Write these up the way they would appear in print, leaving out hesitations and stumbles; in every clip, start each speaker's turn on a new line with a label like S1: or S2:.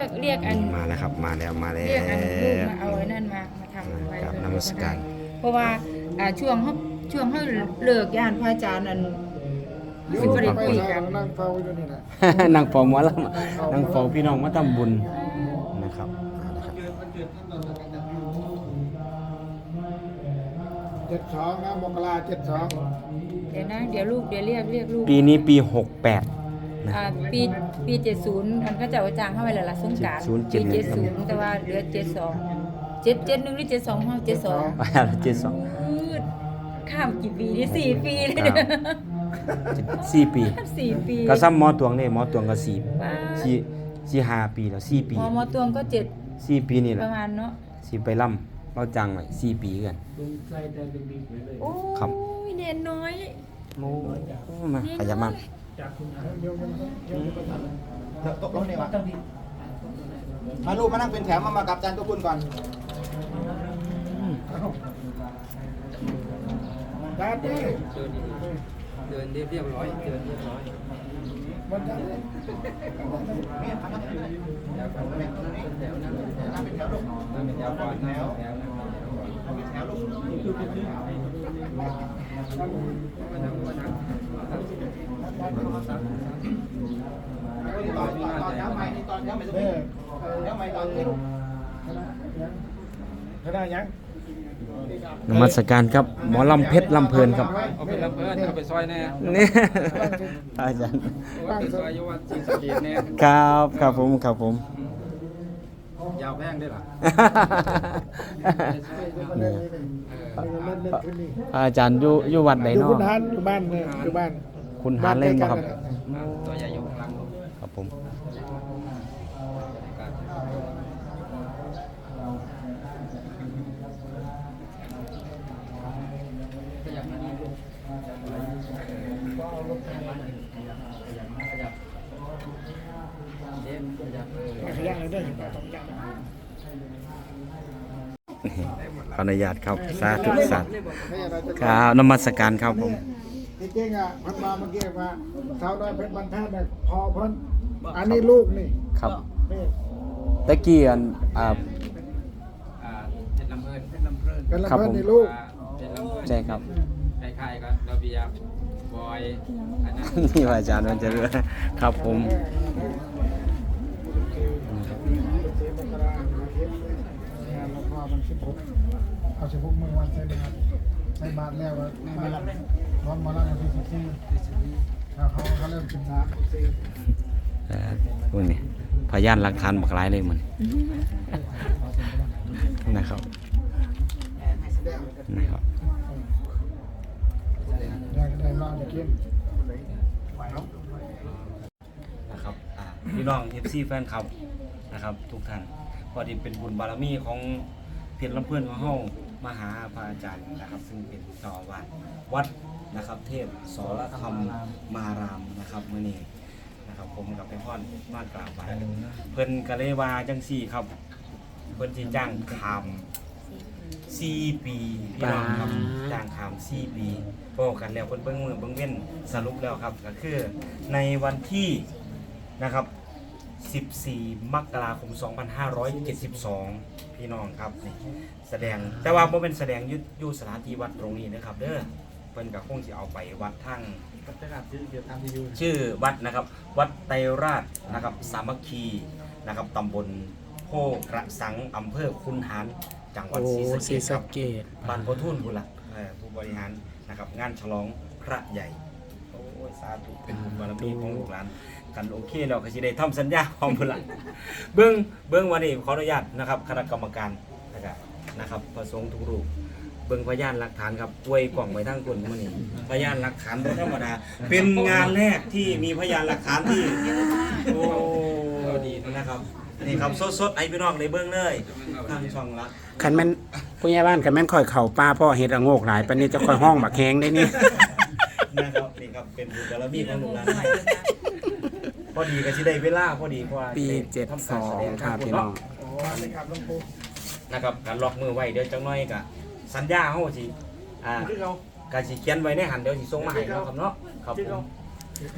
S1: กอัน
S2: มาแล้วครับมาแล้ว
S1: เรียกอันลูกมาเอาไอ้นั่นมาทำไว้
S2: ครับนมัสการ
S1: เพราะว่าช่วงเขาเลิกย่านพระอาจารย์นั่นสิบ่ได้คุยกัน
S3: นั่งเฝ้าอยู่นี่แหละ
S2: นั่งเฝ้าหมอลำนั่งเฝ้าพี่น้องมาทำบุญนะครับ
S3: 72นะมกรา72
S1: เดี๋ยวนะเดี๋ยวเรียกลูก
S2: ปีนี้ปี 68นะ
S1: ปี70มันก็จะเอาจ้างเข้าไปแล้วล่ะสงกรานต์ปี70แต่ว่าเหลือ72 71หรือ72ห้อง72 ข้ามกี่ปีนี่4 ปีเลยเนี่ย
S2: 4 ปี
S1: 4 ปี
S2: ก็ซ้ำหมอตวงนี่หมอตวงก็4
S1: ว้า
S2: 5 ปีแล้ว4 ปี
S1: หมอตวงก็
S2: 4 ปีนี่แห
S1: ป
S2: ละ
S1: ระมาณเนาะ
S2: สิไปล่ำเราจังไว้4 ปีกัน
S1: โอ้
S2: ครับ
S1: ยเนนน้อย
S2: โอ้มาขยับมา
S4: ตกลงนี่วะมาลูกมานั่งเป็นแถวมากับอาจารย์ตัวคุณก่อน
S3: ได้ดิ
S5: เดินเรียบร้อยเดินเรียบร้อย
S3: มันจะ
S4: เนี่ยทำนั่งอยู่นี่
S5: แถวนั่งแถวนั่งเป็นแถวลูกนั่งเป็นแถวก่อนนั่งแถวนั่งแถวลูกมานั่ง
S4: ตอนแถวใหม่นี่ตอนแถวใหม่ตรงนี้แถวใหม่ตอนนี้ลูก
S3: คณะยัง
S2: นมัสการครับหมอลำเพชรลำเพลินครับ
S5: เอาไปรับเพื่อนเอาไปซอยแน่
S2: นี่ อาจารย์
S5: เอาไปซอยยุวัฒน์สิงห์สกีแน่
S2: ครับผม
S5: ยาวแพงได้หรอ
S2: นี่
S3: เล่นขึ้นนี่
S2: อาจารย์อยู่วัดไหน
S3: อยู่
S2: เนาะ
S3: คุณหานอยู่บ้านเนี่ยอยู่บ้าน
S2: คุณหาเล่นบ่ครับ
S5: ตัวใหญ่อยู่ข้างหลัง
S2: ครับผม
S3: ขยันเลยได้ถึงต้องยัน
S2: ขออนุญาตครับสาธุสัตว์ครับนมัสการครับผม
S3: จริงๆอ่ะพันมาเมื่อกี้ว่าชาวน้อยเพชรบรรทัดเนี่ยพอพ้นอันนี้ลูกนี่
S2: ครับ
S3: นี่
S2: ตะกี้อัน
S5: เป็นลำเพลินเป็นลำเพลิน
S3: เป็นละ
S2: ครับ
S3: เพื่อน
S2: ผม
S3: นี่ลูก
S5: เป็นลำเพลิน
S2: ใช่ครับ
S5: คล้ายๆกับระเบียบบอยอันนั้น
S2: นี่ว่าอาจารย์มันจะเรือครับผม
S3: งานเราพอมัน16เอา16มื้อวันใส่บาตรใส่บาตรแล้วมาร้อนมาแล้ววันที่14เขาเริ่มกินน้ำ
S2: พวกนี้พยานหลักฐานบักหลายเลยมันนะครับนะครับ
S3: ได้มาจะกิน
S2: นะครับพี่น้อง FC แฟนคลับนะครับทุกท่านพอดีเป็นบุญบารมีของเพชรลำเพื่อนของเฮามาหาพระอาจารย์นะครับซึ่งเป็นเจ้าอาวาสวัดนะครับเทพสรธรรมมารามนะครับมื้อนี้นะครับผมกับไปพ่อนบ้านกราบไหว้เพิ่นก็เลยว่าจังซี่ครับเพิ่นสิจ้างขาม4 ปีพี่น้องครับจ้างขาม4 ปีบอกกันแล้วเพิ่นเบิ่งมือเบิ่งเว้นสรุปแล้วครับก็คือในวันที่นะครับ14 มกราคม 2572 พี่น้องครับนี่แสดงแต่ว่าบ่เป็นแสดงอยู่สถานที่วัดตรงนี้นะครับเด้อเพิ่นก็คงสิเอาไปวัดทั้งชื่อวัดนะครับวัดไตรราชนะครับสามัคคีนะครับตำบลโพกระสังอำเภอคุนหารจังหวัดศรีสะเกษครับบ้านพ่อทุ่นพุ่นล่ะผู้บริหารนะครับงานฉลองพระใหญ่โอ้ยสาธุเป็นบุญบารมีของลูกหลานกันโอเคแล้วก็สิได้ทำสัญญาพร้อมพุ่นล่ะเบิ่งวันนี้ขออนุญาตนะครับคณะกรรมการนะครับประสงค์ทุกรูปเบิ่งพยานหลักฐานครับอวยกล่องไปทั้งคนมื้อนี้พยานหลักฐานบ่ธรรมดาเป็นงานแรกที่มีพยานหลักฐานที่โอ้ดีนะครับนี่ครับสดๆให้พี่น้องได้เบิ่งเลยทางช่องรัก
S6: คันแม่นผู้ใหญ่บ้านคันแม่นค่อยเข่าป้าพ่อเฮ็ดระโงกหลายปานนี้จะค่อยห้องบักแฮงได้นี่
S2: นะครับนี่ครับเป็นบุญบารมีของลูกหลานพอดีก็สิได้เวลาพอดีเพราะว่า
S6: ปี
S2: ทำการแสดง
S6: 72ครับพี่น้อง
S3: อ๋อนี่ครับหลวงปู่
S2: นะครับการล็อกมือไว้เดี๋ยวจังน้อยก็สัญญาเฮาสิก็สิเขียนไว้ในหันเดี๋ยวสิส่งมาให้เนาะครับเนาะครับผม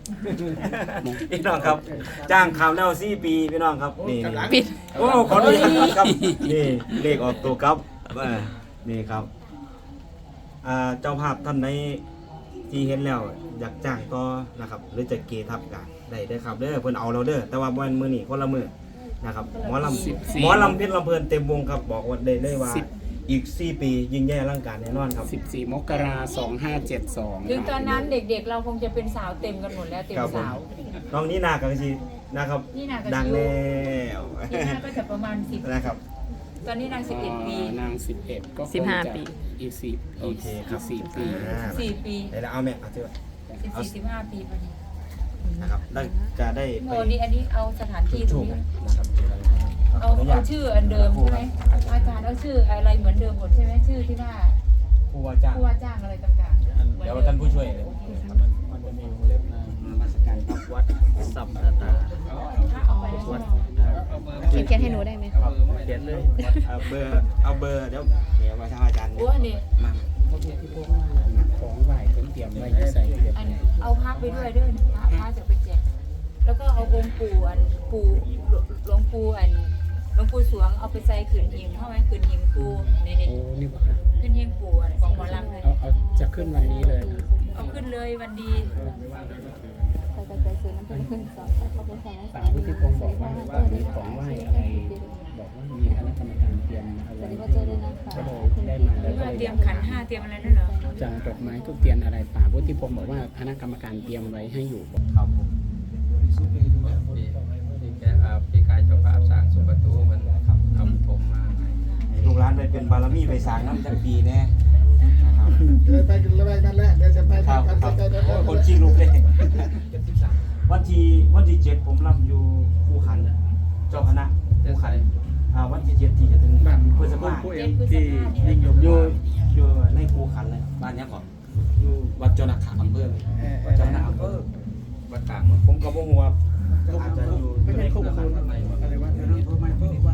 S2: พี่น้องครับ จ้างข่าวแล้ว4 ปีพี่น้องครับนี่
S1: ปิด
S2: โอ้ขออนุญาตครับนี่เลขออกตัวครับนี่ครับเจ้าภาพท่านไหนที่เห็นแล้วอยากจ้างต่อนะครับหรือจะเกทับกันได้เด้อครับเด้อเพิ่นเอาเราเด้อแต่ว่าวันมื้อนี้คนละมื้อนะครับหมอลำเพชรลำเพลินเต็มวงครับบอกว่าได้เลยว่าอีก4 ปียิ่งใหญ่อลังการแน่นอนครับ
S6: 14 มกราคม 2572
S1: ถึงตอนนั้นเด็กๆ เราคงจะเป็นสาวเต็มกันหมดแล้วเต็ม
S2: ครับผม
S1: สาว
S2: น้องนี่นากับสินะครับ
S1: นี่นากับ
S2: ดัง
S1: สิ
S2: แล้ว
S1: นี่นาก็จะประมาณ10
S2: นะครับ
S1: ตอนนี้นาง11 ปี
S6: นาง 11 ก็คงจะ
S1: 15 ปี
S6: อีก4
S2: โอเคครับ
S6: 4 ปี
S1: 4 ปี
S2: เดี๋ยวเราเอาแม่เอาเถอะ
S1: 14 15 ปีพอดี
S2: นะครับได้จะได้ไป
S1: โอ้นี่อันนี้เอาสถานที่ตร
S2: ถู
S1: ง
S2: ก
S1: นี้
S2: นะครับ
S1: เอาชื่ออันเดิมใช่ไหมอาจารย์เอาชื่ออะไรเหมือนเดิมหมดใช่ไหมชื่อที่ว่า
S2: ผู้ว่าจ้าง
S1: ผู้ว่าจ้างอะไรต่างๆ
S2: เดี๋ยวท่านผู้ช่วยเลย
S5: มันจะมีวงเล็บนะ
S2: นมัสการครับวัดสัมตา
S1: ถ้าเอาไปแล้วใช่ไหม
S7: เขียนให้หนูได้ไหม
S2: ครับเขียนเลยเอาเบอร์เดี๋ยวมาทางอาจารย์
S1: โอ้อันนี้
S2: มา
S6: ของไหวเตรียมไว้จะใส่เรียบ
S1: อันเอาพระไปด้วยเด้อพระจะไปแจกแล้วก็เอาองค์ปู่หลวงปู่หลวงปู่สวงเอาไปใส่ขืนหิงเข้าไหมขืนหิงปู่นี่
S6: โอ้นี่บ่ครับ
S1: ขืนหิงปู่ของหมอลำเลย
S6: เอาจะขึ้นวันนี้เลยนะ
S1: เอาขึ้นเลยวันดี
S7: ไปซื้อน้ำผึ้งขึ้นสองเขาเป็นของ
S6: ป่าวุฒิพงศ์บอกว่ามีของไหวอะไร บอกว่ามีคณะกรรมการเตรียมเอา
S7: สวั
S6: ไว้
S7: สดีพ่อเจอด้วยนะคะ
S6: ก็เลยได้มาแล้วก็
S1: ว่า
S6: เลย
S1: เตรียมขันห้าเตรียมอะไรนั่นเหรอ
S6: จะดอกไม้ทุกเทียนอะไรป่าวุฒิพงศ์บอกว่าคณะกรรมการเตรียมไว้ให้อยู่
S2: ครับผม
S5: ที่แกพี่กายเจ้าภาพสร้างสุประตูมันครับทำผมมาให้
S2: ลูกหลานไปเป็นบารมีไปสร้างน้ำจักปีแน่นะครับ
S3: เลยไปกันแล้วนั่นแหละเดี๋ยวจะไป
S2: ครับ
S3: กัน
S2: ครับ
S3: ไปกัน
S2: โอ้ยคนขี้ลุกเลยวันที่7ผมรับอยู่คู่ขันเจ้าคณะคู่ขันวันที่7ที่จะถึงพฤษภาคม
S1: เจ็ดพฤษภาเนี่ย
S2: อยู่ในคู่ขันเลยบ้านเนี้ยก่อนอยู่วัดเจ้านาขาอำเภอวัดเจ้านาอำเภอ
S5: วัดกลาง
S2: ผมก็บ่ฮู้ว่าอาจจะอยู่ในคู่ขัน
S3: อะไรวะเดี๋ยวนั้นเพิ่มไม่เพิ่มว่า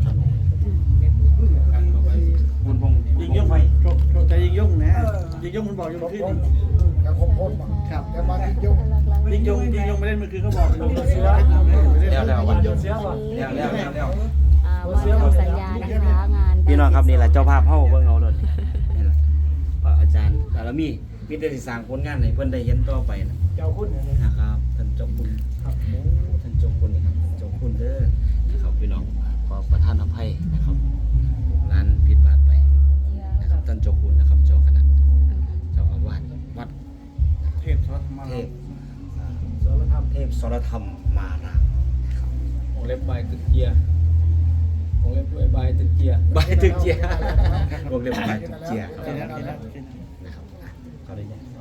S2: บุญพงยิงยกไฟ
S5: โชคใจยิงยุ่งนะยิงยุ่งมันบอกอยู่ที่
S3: กับครบคนมาครับแต่มาที่ยุ่ง
S5: ยิงยุ่งไม่ได้เมื่อคืนเขาบอก
S2: แล้ววันเสียบ่แล้ว
S7: ว่าทำสัญญานะคะงาน
S2: พี่น้องครับนี่แหละเจ้าภาพเฮาเบิ่งเอาเลยนี่แหละพระอาจารย์บารมีมีแต่สิสร้างผลงานให้เพิ่นได้เห็นต่อไปนะ
S3: เจ้าคุณเนี่ย
S2: นะครับท่านเจ้าคุณครับท่านเจ้าคุณนี่ครับเจ้าคุณเด้อนะครับพี่น้องขอประทานอภัยนะครับร้านผิดพลาดไปนะครับท่านเจ้าคุณนะครับเจ้าคณะเจ้าอาวาสวัด
S5: เทพทศมา
S2: เทพสรธรรมเทพสรธรรมมารามนะครับ
S5: วงเล็บใบตึกเกียร์วงเล็บด้วยใบตึกเกียร์
S2: ใบตึกเจียวงเล็บใบตึกเจียนะครับเขาได้ยัง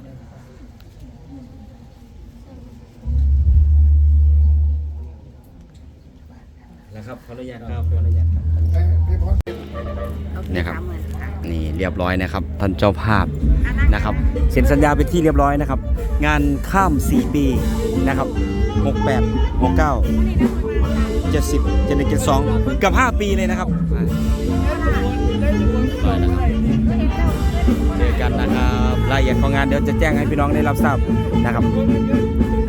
S2: แล้วครับขออนุญาตครับขออนุญาตครับ
S3: พี่พร
S2: เนี่ยครับนี่เรียบร้อยนะครับท่านเจ้าภาพนะครับเซ็นสัญญาเป็นที่เรียบร้อยนะครับ งานข้าม 4 ปีนะครับ68 69 70 71 72กับ5 ปีเลยนะครับร้อยนะครับเจอกันนะครับรายละเอียดของงานเดี๋ยวจะแจ้งให้พี่น้องได้รับทราบนะครับ